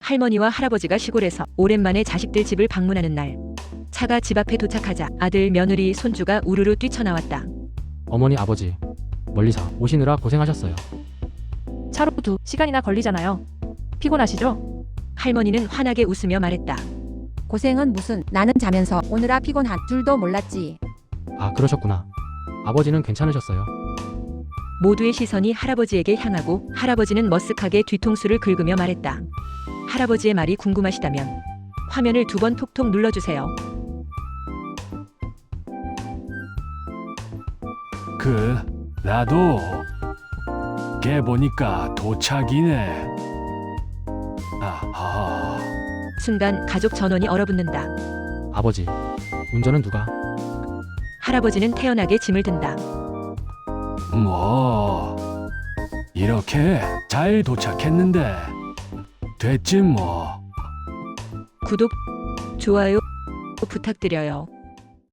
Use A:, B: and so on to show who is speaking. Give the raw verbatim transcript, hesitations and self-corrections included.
A: 할머니와 할아버지가 시골에서 오랜만에 자식들 집을 방문하는 날, 차가 집 앞에 도착하자 아들, 며느리, 손주가 우르르 뛰쳐나왔다.
B: 어머니, 아버지, 멀리서 오시느라 고생하셨어요.
C: 차로 두 시간이나 걸리잖아요. 피곤하시죠?
A: 할머니는 환하게 웃으며 말했다.
D: 고생은 무슨, 나는 자면서 오느라 피곤한 줄도 몰랐지.
B: 아, 그러셨구나. 아버지는 괜찮으셨어요?
A: 모두의 시선이 할아버지에게 향하고 할아버지는 머쓱하게 뒤통수를 긁으며 말했다. 할아버지의 말이 궁금하시다면 화면을 두 번 톡톡 눌러주세요.
E: 그 나도 걔 보니까 도착이네. 아하.
A: 순간 가족 전원이 얼어붙는다.
B: 아버지, 운전은 누가?
A: 할아버지는 태연하게 짐을 든다.
E: 뭐 이렇게 잘 도착했는데 됐지 뭐.
A: 구독, 좋아요 부탁드려요.